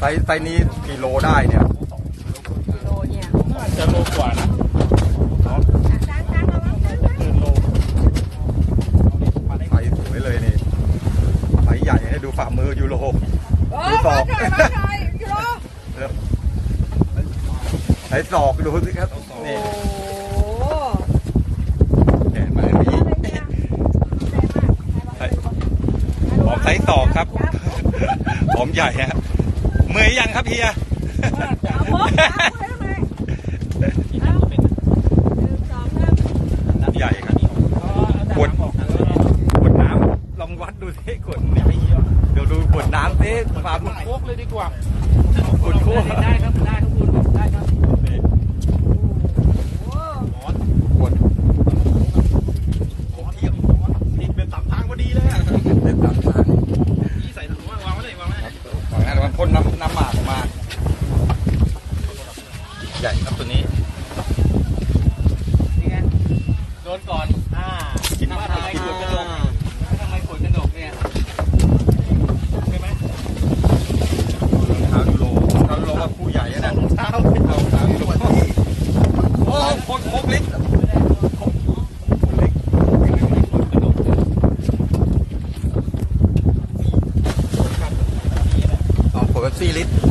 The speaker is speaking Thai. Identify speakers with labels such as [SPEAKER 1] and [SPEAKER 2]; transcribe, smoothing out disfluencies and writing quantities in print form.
[SPEAKER 1] ไซส์นี้กิโลได้เนี่ย
[SPEAKER 2] กิโลเนี่ย
[SPEAKER 3] น่าจะโลกว่านะเกินโล
[SPEAKER 1] ไซส์สวยเลยนี่ไซส์ใหญ่ให้ดูฝ่ามือยูโรดูศอกไซส์ศอกดูสิครับนี่แขนมาอย่างนี้หอมไซส์ศอกครับหอมใหญ่ฮะเมื่อยยังครับเฮียใหญ่ครับขวดน้ำลองวัดดูสิขวดนี่เดี๋ยวดูขวดน้ำสิความ
[SPEAKER 3] โคกเลยดีกว่า
[SPEAKER 1] ขวดโค้ก
[SPEAKER 3] ได้ครับได้ครับคุณได้ครับ
[SPEAKER 1] ขวด
[SPEAKER 3] ผมเทียบนี่เป็นสามทางพอดีเลยอ่ะ
[SPEAKER 1] เป็นตามทาง
[SPEAKER 3] นี่ใส่ถุงวางไว้เลยวางไว้เลย
[SPEAKER 1] ฝั่งนั้นมันพ่นน้ำหมากออกมาใหญ่ครับตัวนี้
[SPEAKER 3] นี่ไงโดนก่อนกินว่าทำไมขวดกระดกทำไมขวดกระดกเนี่ยใช่ไหม
[SPEAKER 1] เท้ายูโรว่าคู่ใหญ่นะ
[SPEAKER 3] เท้า
[SPEAKER 1] เท้ายูโรโอ้โคกเล็กขวดเป๊ปซี่ลิตร